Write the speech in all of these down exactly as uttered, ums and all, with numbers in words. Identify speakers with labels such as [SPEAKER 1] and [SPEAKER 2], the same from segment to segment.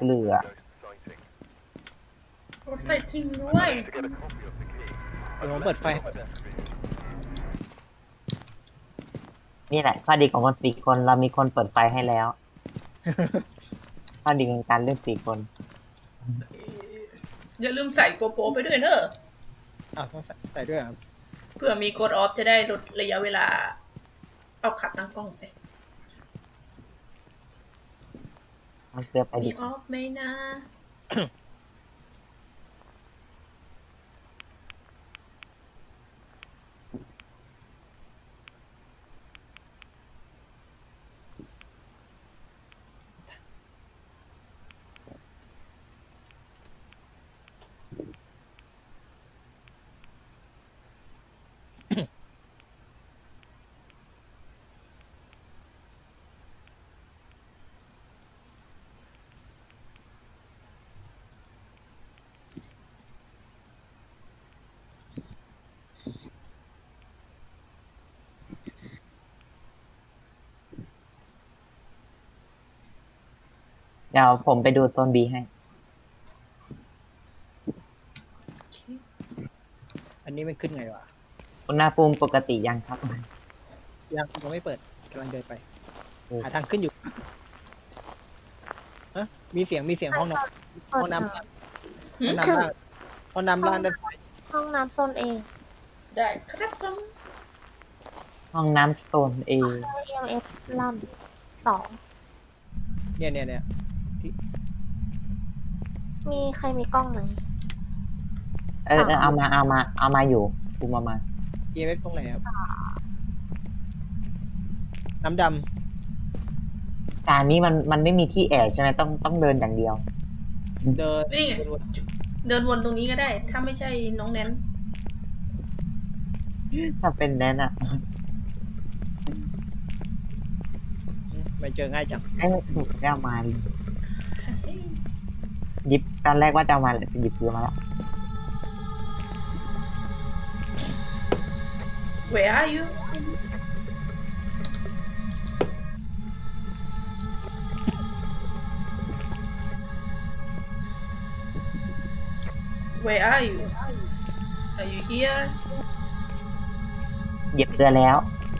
[SPEAKER 1] เกลือ
[SPEAKER 2] ใส่จริงด้วย
[SPEAKER 3] เดี๋ยวผมเปิดไฟ
[SPEAKER 1] นี่แหละข้อดีของคนสี่คนเรามีคนเปิดไฟให้แล้วข้อดีของการเล่นสี่คน
[SPEAKER 2] อย่าลืมใส่โกโปรไปด้วยเนอะ
[SPEAKER 3] อ้าวต้องใส่ด้วยครับ
[SPEAKER 2] เพื่อมีกดออฟจะได้ลดระยะเวลาเอาขัดตั้งกล้องไป
[SPEAKER 1] มันเกลือไป
[SPEAKER 2] มี
[SPEAKER 1] ดิ
[SPEAKER 2] ออฟไหมนะ
[SPEAKER 1] เดี๋ยวผมไปดูโซนบีให้
[SPEAKER 3] อันนี้มันขึ้นไงวะ
[SPEAKER 1] อุณหภูมิปกติยังครับ
[SPEAKER 3] ยังยังไม่เปิดกำลังเดินไปหาทางขึ้นอยู่ฮะมีเสียงมีเสียงห้องน้ำห้องน้ำห้องน้ำล่างห้องน้ำล่างด้านซ้าย
[SPEAKER 4] ห้องน้ำโซนเอ
[SPEAKER 2] ได้ครับผม
[SPEAKER 1] ห้องน้ำโซนเอ
[SPEAKER 4] เอ็มเอฟล่ำสอง
[SPEAKER 3] เนี่ยเนี่ยเนี่ย
[SPEAKER 4] มีใครมีกล้องไหม
[SPEAKER 1] เออเออเอามาเอามาเอามาอยู่กูมามา
[SPEAKER 3] เอเอฟตรงไหนครับน้ำด
[SPEAKER 1] การนี้มันมันไม่มีที่แอบใช่ไหมต้องต้องเดินอย่างเดียว
[SPEAKER 3] ำเดิน
[SPEAKER 2] นี่เดินวนตรงนี้ก็ได้ถ้าไม่ใช่น้องแนน
[SPEAKER 1] ถ้าเป็นแนนอะ
[SPEAKER 3] ไปเจอง่ายจัง
[SPEAKER 1] เอ้ถูกแล้วมาหยิบตอนแรกว่าจะมาเลยหยิบเกลือมาแล้ว
[SPEAKER 2] Where are you Where are you Are you here
[SPEAKER 1] หยิบเกลือแล้ว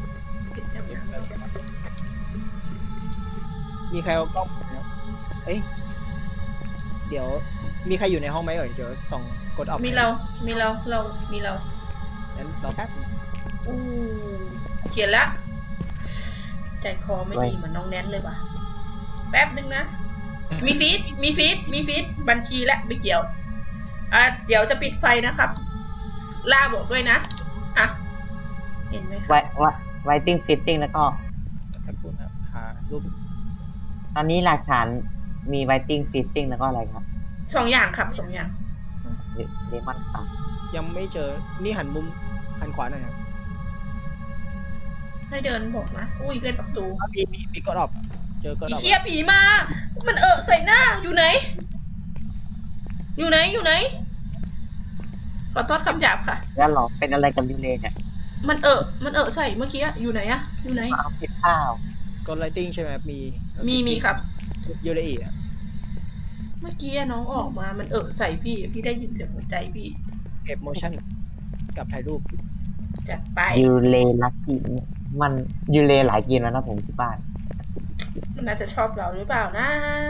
[SPEAKER 3] มีใครเอากล้องเอ้ยเดี๋ยวมีใครอยู่ในห้องไหมเอ่ยเดี๋ยวส่องกดออก
[SPEAKER 2] มีเรา มีเรา เรา มีเรา
[SPEAKER 3] งั้นเราแป๊บ
[SPEAKER 2] อู้เขียนละใจคอไม่ดีเหมือนน้องแนนเลยว่ะแป๊บนึงนะ มีฟีด มีฟีด มีฟีด บัญชีและไม่เกี่ยว อ่ะ เดี๋ยวจะปิดไฟนะครับ ล่าบอกด้วยนะ อ่ะ เห็นไหมครับ
[SPEAKER 1] ไว้ไว้ไวติ้งฟิตติ้งแล้วก็
[SPEAKER 3] หารูป
[SPEAKER 1] ตอนนี้หลักฐานมีไวติ้งฟิตติ้งแล้วก็อะไรครับ
[SPEAKER 2] สองอย่างครับสองอย่าง
[SPEAKER 1] เลมอนครับ
[SPEAKER 3] ยังไม่เจอนี่หันมุมหันขวาหน่อยครับ
[SPEAKER 2] ให้เดินบอกนะอุ้ยเล่นประตู
[SPEAKER 3] มีมีมีกดออกเจอกดออก
[SPEAKER 2] ผีเชี่ยผีมามันเอะใส่หน้าอยู่ไหนอยู่ไหนอยู่ไหนขอโทษคำหยาบค่ะ
[SPEAKER 1] แล้วหรอเป็นอะไรกับดิเลย์เนี่ย
[SPEAKER 2] มันเอะมันเอะใส่เมื่อกี้อยู่ไหนอะอยู่ไหน
[SPEAKER 1] เอาผิดข้าว
[SPEAKER 3] กดไลติ้งใช่ไหมมี
[SPEAKER 2] มีมีครับ
[SPEAKER 3] ยูเลอีอะ
[SPEAKER 2] เมื่อกี้น้องออกมามันเอะใส่พี่พี่ได้ยินเสียงหัวใจพี่
[SPEAKER 3] เก็บโมชั่นกับถ่ายรูป
[SPEAKER 2] จัดไป
[SPEAKER 1] ยูเลลักกี้มันยูเลหลายเกมแล้วนะผมที่บ้าน
[SPEAKER 2] มันน่าจะชอบเราหรือเปล่านะ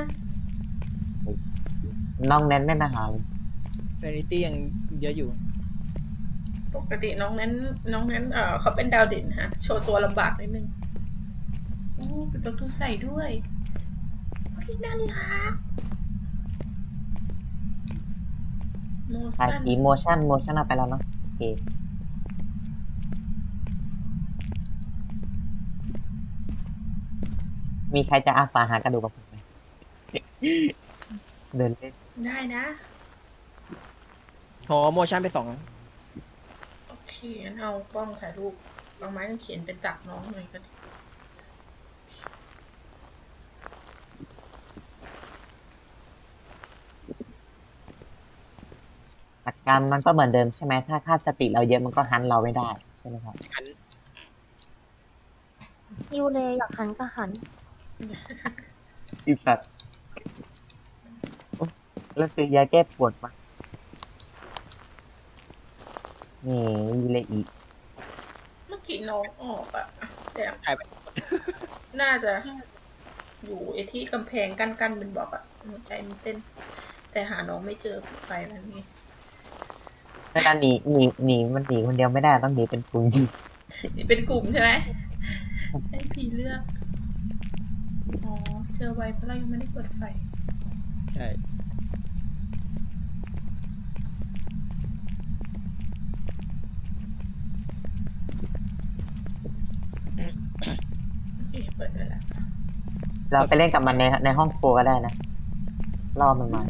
[SPEAKER 1] น้องแนนไม่มาหา
[SPEAKER 3] เฟนิตี้ยังเยอะอยู่
[SPEAKER 2] ปกติน้องนั้นน้องนั้นเออเขาเป็นดาวเด่นฮะโชว์ตัวลำบากนิดนึงโอ้ปิดประตูใส่ด้วยพี่น่ารักโมชั่น
[SPEAKER 1] อีโมชั่นโมชั่นเอาไปแล้วเนาะโอเคมีใครจะอาสาหากระดูกกับผมไหมเดินเล่น
[SPEAKER 2] ได้นะ
[SPEAKER 3] ขอโมชั่นไปสอง
[SPEAKER 2] โอเคงั้นเอากล้องถ่ายรูปเอาไม้เขียนเป็นตักน้องหน่อยก็ดี
[SPEAKER 1] หลักการมันก็เหมือนเดิมใช่ไหมถ้าค่าสติเราเยอะมันก็ฮันเราไม่ได้ใช่ไหมครับ
[SPEAKER 4] ยูเลยอยากหันก็หัน
[SPEAKER 1] อีสัตว์แล้วซื้อยาแก้ปวดมานี่มีอะไรอีก
[SPEAKER 2] เมื่อกี้น้องออกอะแต่
[SPEAKER 3] หายไป
[SPEAKER 2] น่าจะ อยู่ไอ้ที่กำแพงกั้นๆเป็นบอกอะหัวใจมันเต้น แต่หาน้องไม่เจอไปมันนี่
[SPEAKER 1] เวลาหนีหนีหนีมันหนีคนเดียวไม่ได้ต้องหนีเป็นกลุ่ม
[SPEAKER 2] นี่เป็นกลุ่มใช่ไหมให้พี่เลือก อ๋อ เจอไวเพราะเรายังไม่ได้เปิดไฟ
[SPEAKER 3] ใช่
[SPEAKER 2] โอเค เปิดได้แล้ว
[SPEAKER 1] เราไปเล่นกับมันในในห้องครัวก็ได้นะล่อมันมา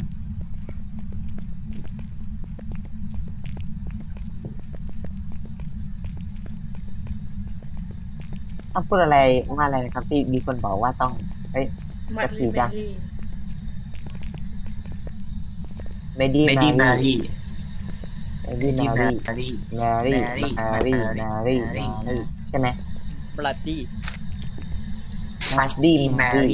[SPEAKER 1] ต้องพูดอะไรว่าอะไรนะครับที่มีคนบอกว่าต้องเอ้ย
[SPEAKER 2] มัด
[SPEAKER 1] จะผี
[SPEAKER 2] ลีเบ
[SPEAKER 1] จ้ะ
[SPEAKER 2] ลลี่
[SPEAKER 1] เมดี้
[SPEAKER 5] เม
[SPEAKER 1] มา
[SPEAKER 5] ดี้มา
[SPEAKER 1] รี
[SPEAKER 5] รี
[SPEAKER 1] เม
[SPEAKER 5] เม
[SPEAKER 1] ดี้
[SPEAKER 5] ดี้
[SPEAKER 1] มา
[SPEAKER 5] มา
[SPEAKER 1] รี
[SPEAKER 5] รี
[SPEAKER 1] มารี
[SPEAKER 5] Mary
[SPEAKER 1] มารี
[SPEAKER 5] Mary
[SPEAKER 1] มารี
[SPEAKER 5] Mary
[SPEAKER 1] มารีใช่ไหม
[SPEAKER 3] บลัดดี้
[SPEAKER 1] มาดี้
[SPEAKER 5] ดี
[SPEAKER 1] มา
[SPEAKER 5] มา
[SPEAKER 1] รี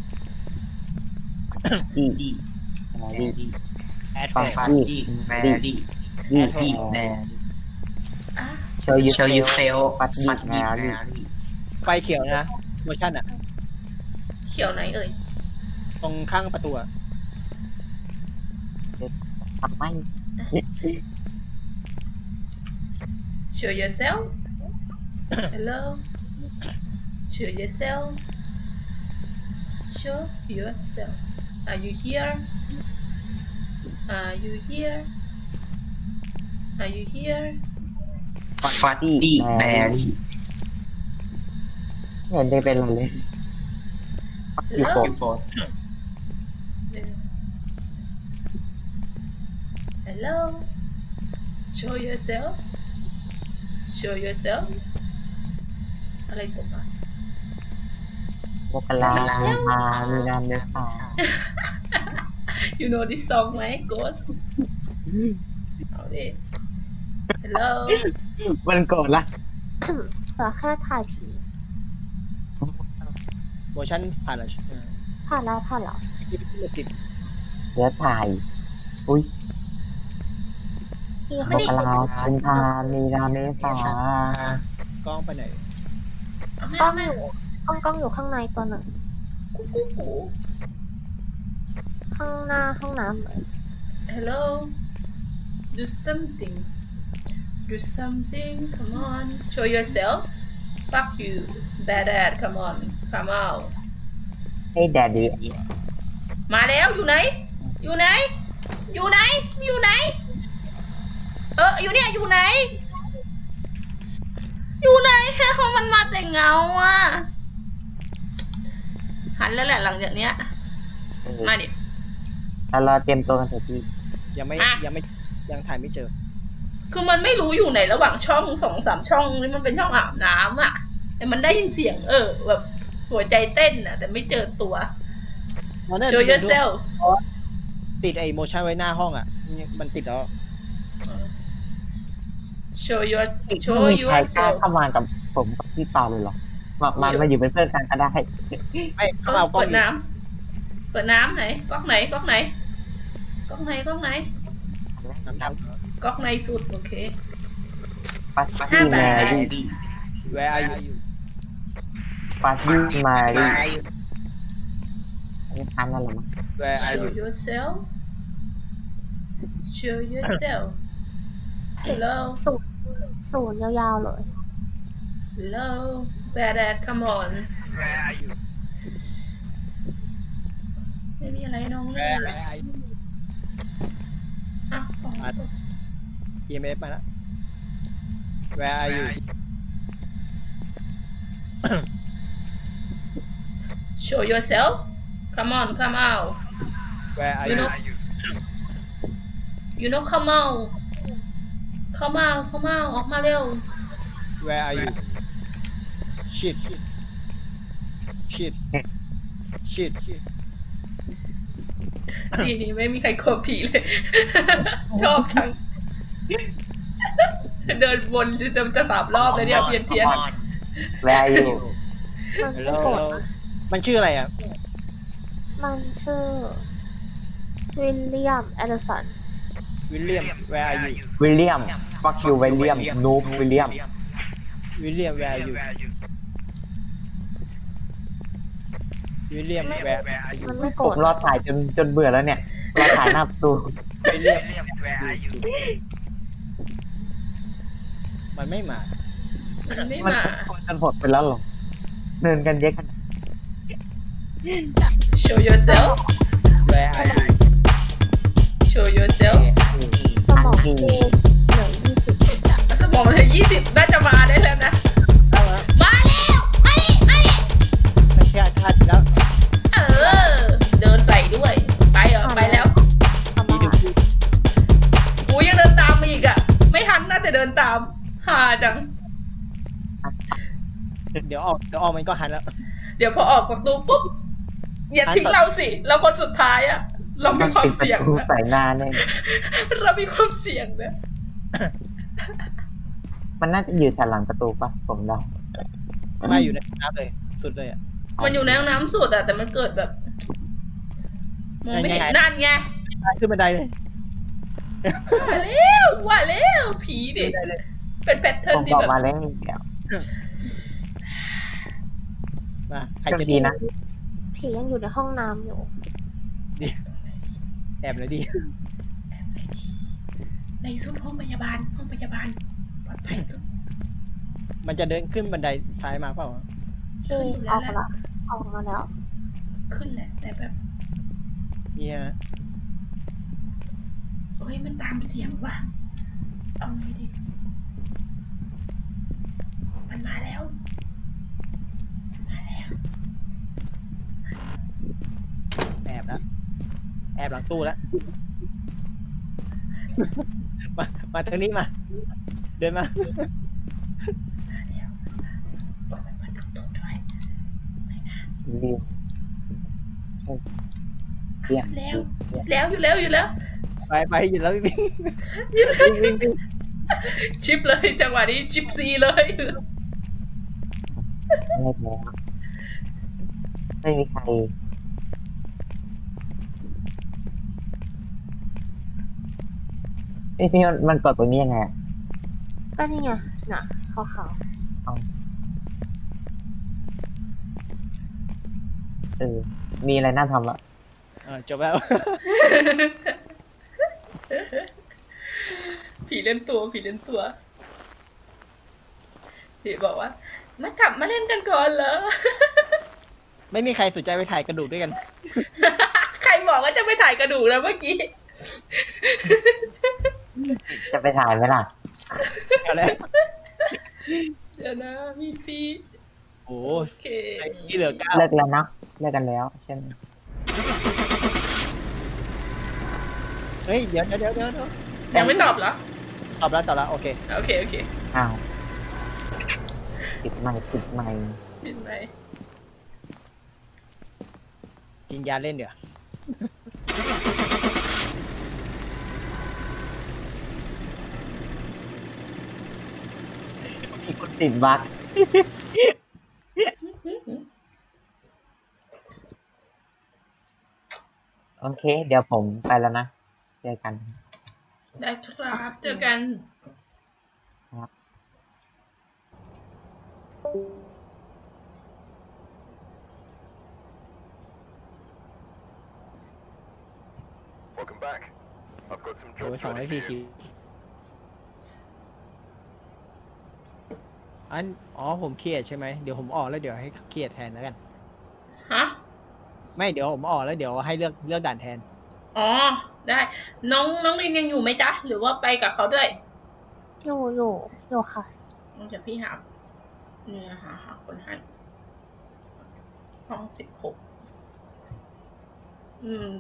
[SPEAKER 5] รี
[SPEAKER 1] ดี้
[SPEAKER 5] ดี
[SPEAKER 1] มา
[SPEAKER 5] แม
[SPEAKER 1] รี
[SPEAKER 5] รี่
[SPEAKER 3] แอด
[SPEAKER 1] ฟั
[SPEAKER 3] แฟ
[SPEAKER 1] ง
[SPEAKER 3] ร์
[SPEAKER 5] ฟันดี้แมรี่
[SPEAKER 1] ดี้
[SPEAKER 5] ดี
[SPEAKER 1] แม
[SPEAKER 5] แม
[SPEAKER 1] รี่
[SPEAKER 5] รี่
[SPEAKER 2] อ่ะ
[SPEAKER 1] โชว์ยู
[SPEAKER 5] โชว์ยูเซล
[SPEAKER 1] ฟัดดี้
[SPEAKER 5] ฟัด
[SPEAKER 1] แม
[SPEAKER 5] ดี้แม
[SPEAKER 1] รี่
[SPEAKER 5] รี่
[SPEAKER 3] ไฟเขียวนะโมชั่นอะ
[SPEAKER 2] เขียวไหนเอ่ย
[SPEAKER 3] ตรงข้างประตูอะ
[SPEAKER 1] ทำไม
[SPEAKER 2] Show yourself Hello Show yourself Show yourself Are you here Are you here Are you here
[SPEAKER 5] ฟัดดี้แมรี่
[SPEAKER 1] ไม่เห็นได้เป็นอะไรเลยอยู่
[SPEAKER 2] Hello
[SPEAKER 1] ผม
[SPEAKER 5] ยูโฟน
[SPEAKER 2] Hello Show yourself Show yourself อะไรตกอ่ะ
[SPEAKER 1] มกราคุมภามีนาเมษา
[SPEAKER 2] You know this song ไหม Ghost เอาดิ Hello
[SPEAKER 1] มันโกรธละ
[SPEAKER 4] เหลือแค่ถ่ายผี
[SPEAKER 3] โมชั่นผ่านแล้วใช่ไหม
[SPEAKER 4] ผ่านแล้วผ่านแล้ว
[SPEAKER 3] ที่ไม่ติด
[SPEAKER 1] เดี๋ยวถ่าย อุ้ย
[SPEAKER 4] พี่
[SPEAKER 1] ม
[SPEAKER 4] เขา
[SPEAKER 1] กราคุมภามีนาเมษาก
[SPEAKER 3] ล้องไปไหน
[SPEAKER 2] เอาแม่
[SPEAKER 4] กล้อ
[SPEAKER 2] เอา
[SPEAKER 4] ง
[SPEAKER 2] แม่
[SPEAKER 4] อยู่กล้องกล้องอยู่ข้างในตัวหนึ่ง
[SPEAKER 2] กุ๊กกุ๊กกุ๊ก
[SPEAKER 4] ข้างหน้าห้องน้ำเลย
[SPEAKER 2] Hello Do something Do something Come on Show yourself Fuck you Bad ad Come on Come out
[SPEAKER 1] ให้แดดดี
[SPEAKER 2] มาแล้วอยู่ไหน อยู่ไหน อยู่ไหน อยู่ไหน เอออยู่เนี่ยอยู่ไหน อยู่ไหนแค่เขามันมาแต่เงาอ่ะ หันแล้วแหละหลังจากเนี้ย มาดิ
[SPEAKER 1] แล้วเราเตรียมตัวกันเถอะพี่
[SPEAKER 3] ยังไม่
[SPEAKER 2] อ่ะ
[SPEAKER 3] ยังไม่ยังถ่ายไม่เจอ
[SPEAKER 2] คือมันไม่รู้อยู่ไหนระหว่างช่องสองสามช่องนี่มันเป็นช่องอาบน้ำอ่ะ แต่มันได้ยินเสียง เออ แบบหัวใจเต้นอ่ะ แต่ไม่เจอตัว Show yourself
[SPEAKER 3] ติดไอ้โมชั่นไว้หน้าห้องอะมันติดแล้ว
[SPEAKER 2] Show your
[SPEAKER 1] ไม่
[SPEAKER 2] Show
[SPEAKER 1] มีใครกล้า
[SPEAKER 2] yourself
[SPEAKER 1] เข้ามากับผมกับพี่ปาเลยเหรอมามามาอยู่เป็นเพื่อนกันก็ได้
[SPEAKER 3] ไม่
[SPEAKER 2] เอ
[SPEAKER 3] ข้าง
[SPEAKER 2] อ
[SPEAKER 3] เอากล้อง
[SPEAKER 2] เปิดน้ำเปิดน้ำไหนก๊อกไหนก๊อกไหนก๊อกไหนก๊อกไหน
[SPEAKER 3] น้ำน้
[SPEAKER 2] ก๊อกในสุดโอเค
[SPEAKER 1] ปัส
[SPEAKER 5] ฟัด
[SPEAKER 1] ตี้
[SPEAKER 5] ดี้แม
[SPEAKER 1] แมรี่
[SPEAKER 5] รี่
[SPEAKER 3] ำ Where are you
[SPEAKER 1] ปัสตี้แมรี่
[SPEAKER 3] Where are you
[SPEAKER 1] อันนี้ทันแล้วเหรอมั้ง
[SPEAKER 3] Where are
[SPEAKER 2] Show
[SPEAKER 3] you
[SPEAKER 2] yourself Show yourself Hello
[SPEAKER 4] ศูนย์ศูนย์ยาวๆเลย
[SPEAKER 2] Hello Bad ad Come on
[SPEAKER 3] Where are you
[SPEAKER 2] ไม่มีอะไรน้องเลย
[SPEAKER 3] Where are you
[SPEAKER 2] อ่ะของ
[SPEAKER 3] อี เอ็ม เอฟ มาแล้ว Where are you
[SPEAKER 2] Show yourself Come on Come out
[SPEAKER 3] Where are
[SPEAKER 2] You
[SPEAKER 3] you
[SPEAKER 2] know You know Come out Come out Come out ออกมาเร็ว
[SPEAKER 3] Where are you Shit Shit Shit
[SPEAKER 2] ทีนี้ไม่มีใครกลัวผีเลย ชอบจัง เดินวนจะจะสามรอบเลยเนี่ยเทียนเทียน
[SPEAKER 1] แวร์อยู่
[SPEAKER 4] มันไม่
[SPEAKER 3] Hello
[SPEAKER 4] โกรธ
[SPEAKER 3] Hello
[SPEAKER 4] นะ
[SPEAKER 3] มันชื่ออะไรอ่ะ
[SPEAKER 4] มันชื่อวิลเลียมแอดเดอสัน
[SPEAKER 3] วิลเลียม where are you
[SPEAKER 1] วิลเลียมฟักยูวิลเลียมนูบวิลเลียม
[SPEAKER 3] วิลเลียม where are you วิลเลียม where are you
[SPEAKER 4] มันไม่โก
[SPEAKER 1] ผ
[SPEAKER 4] ร
[SPEAKER 1] ม
[SPEAKER 4] ธ
[SPEAKER 1] รอถ่ายจนจนเบื่อแล้วเนี่ยรอถ่ายหน้าประตู
[SPEAKER 3] วิลเลียม where are you มันไม่มา
[SPEAKER 2] มันไม่
[SPEAKER 1] มัน
[SPEAKER 2] มา
[SPEAKER 1] จนหดไปแล้วหรอเดินกันเยอะขนาด
[SPEAKER 2] show yourself
[SPEAKER 3] where are you
[SPEAKER 2] show yourself
[SPEAKER 4] สมองกูเหลือยี่สิบ
[SPEAKER 2] สมองเลยยี่สิบน่าจะมาได้แล้วนะ
[SPEAKER 3] เอาละ
[SPEAKER 2] มาแล้วมาดิมาดิ
[SPEAKER 3] ไม่ใช่ชาติแล้ว
[SPEAKER 2] เออ เดินใส่ด้วย ไปเหรอ ไปแล้ว
[SPEAKER 4] ทำมาหา
[SPEAKER 2] กูยังเดินตามมาอีกอ่ะ ไม่ทันน่าจะเดินตามหาจัง
[SPEAKER 3] เดี๋ยวออกเดี๋ยวออกมันก็หันแล้ว
[SPEAKER 2] เดี๋ยวพอออกประตูปุ๊บ อย่าทิ้งเราสิ เราคนสุดท้ายอ่ะ เรามีความเสี่ยง
[SPEAKER 1] ปิดประตู
[SPEAKER 2] นะ
[SPEAKER 1] ใส่หน้าเนี่ย
[SPEAKER 2] เรามีความเสี่ยงนะ
[SPEAKER 1] มันน่าจะอยู่แถวหลังประตูปะผมเดา
[SPEAKER 3] มาอยู่ในน้ำเลย สุดเลยอ่ะ
[SPEAKER 2] มันอยู่ในห้องน้ำสุดอะแต่มันเกิดแบบมองไม่เห็น
[SPEAKER 3] ยังไง
[SPEAKER 2] นั่นไง
[SPEAKER 3] ขึ้นบันไดเลย
[SPEAKER 2] ว่าแล้วว่าแล้วผีดิ
[SPEAKER 3] ขึ้นบันไดเลย
[SPEAKER 2] เป็นแพทเทิ
[SPEAKER 1] ผ
[SPEAKER 2] ร์น
[SPEAKER 1] ม
[SPEAKER 2] ที่
[SPEAKER 1] บอก
[SPEAKER 2] แบบ
[SPEAKER 1] มาแล้วเดี๋ยว
[SPEAKER 3] มาใคร
[SPEAKER 1] โช
[SPEAKER 3] จะ
[SPEAKER 1] คดีนะ
[SPEAKER 4] ผียังอยู่ในห้องน้ำอยู่
[SPEAKER 3] แอบเลยดิ
[SPEAKER 2] ในสุดห้องพยาบาล ห้องพยาบาลปลอดภัยสุด
[SPEAKER 3] มันจะเดินขึ้นบันไดซ้ายมาเปล่า
[SPEAKER 4] ที่ออกมาแล้วออกมาแล้ว
[SPEAKER 2] ขึ้นแหละ แต่แบบ
[SPEAKER 3] นี่ฮะ
[SPEAKER 2] เฮ้ยมันตามเสียงว่ะ เอาไงดี มันมาแล้วมันมาแล้ว
[SPEAKER 3] แอบแล้วแอบหลังตู้แล้ว มามาทางนี้มา เดินมา
[SPEAKER 2] มาแล้วบอกมันเปิดประตูด้วยไม่นะ
[SPEAKER 1] ดีเยี่ยม
[SPEAKER 2] แล้วแล้วอยู่แล้วอยู่แล้ว
[SPEAKER 3] ไปไปหยุดแล้ววิ่ง
[SPEAKER 2] อยู่แล้ว
[SPEAKER 3] วิ่งวิ่งวิ่ง
[SPEAKER 2] ชิปเลยจังหวะนี้ชิปซีเลย
[SPEAKER 1] ไม่แล้วไม่มีใครเอ้ยพี่มันมันกดตรงนี้ยังไงอะ
[SPEAKER 4] ก็นี่ไงน่ะขาว
[SPEAKER 1] เออมีอะไรน่าทำละ
[SPEAKER 3] เออจบแล้ว
[SPEAKER 2] ผีเล่นตัวผีเล่นตัวผีบอกว่ามากลับมาเล่นกันก่อนเหรอ
[SPEAKER 3] ไม่มีใครสนใจไปถ่ายกระดูกด้วยกัน
[SPEAKER 2] ใครบอกว่าจะไปถ่ายกระดูกแล้วเมื่อกี้
[SPEAKER 1] จะไปถ่ายไหมล่ะ
[SPEAKER 3] เอาแล้ว
[SPEAKER 2] เดี๋ยวนะมีฟีด
[SPEAKER 3] โอ้
[SPEAKER 2] โอเค
[SPEAKER 3] ที่เหลือเก้า
[SPEAKER 1] เลิกแล้วนะเลิกกันแล้วใช่ไหม
[SPEAKER 3] เฮ้ยเดี๋ยวเดี๋ยวเดี๋ยวเดี๋ยวเดี๋ยว
[SPEAKER 2] ยังไม่ตอบเหรอ
[SPEAKER 3] ตอบแล้วตอบแล้วโอเค
[SPEAKER 2] โอเคโอเค
[SPEAKER 1] อ้าวปิดไมค์ปิดไมค์
[SPEAKER 2] เป็นไร
[SPEAKER 3] กินยาเล่นเดี๋ยว
[SPEAKER 1] มีคนติดบั๊กโอเค เดี๋ยวผมไปแล้วนะเจอกัน
[SPEAKER 2] ได้ครับเจอกัน
[SPEAKER 1] ครับ
[SPEAKER 6] Welcome back. I've got some
[SPEAKER 3] โอ้ย
[SPEAKER 6] jobs
[SPEAKER 3] สองร้อย
[SPEAKER 6] ready
[SPEAKER 3] สี่
[SPEAKER 6] for
[SPEAKER 3] สิ
[SPEAKER 6] you.
[SPEAKER 3] บอันอ๋อผมเครียดใช่ไหมเดี๋ยวผมออกแล้วเดี๋ยวให้เครียดแทนแล้วกัน
[SPEAKER 2] ฮะ
[SPEAKER 3] ไม่เดี๋ยวผมออกแล้วเดี๋ยวให้เลือกเลือกด่านแทน
[SPEAKER 2] อ๋อ ได้ น้องน้องลินยังอยู่ไหมจ๊ะ หรือว่าไปกับเขาด้วย
[SPEAKER 4] ๆอยู่อยู่อยู่ค่ะ
[SPEAKER 2] เดี๋ยวพี่หาเนี่ยหาหาคนให้ห้องสิบหกอืม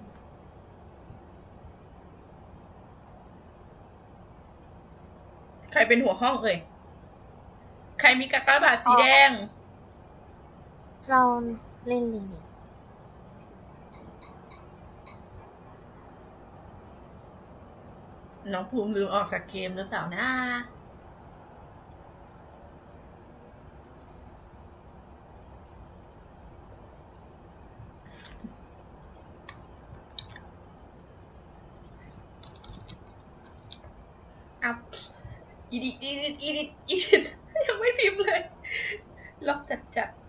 [SPEAKER 2] ใครเป็นหัวห้องเอ่ย ใครมีกากบาทสีแดง
[SPEAKER 4] เราเล่นลิง
[SPEAKER 2] น้องภูมิลืมออกจากเกมหรือเปล่านะอีดิอีดิอีดิอีดิยังไม่พิมพ์เลย ล็อกจัดจัดๆ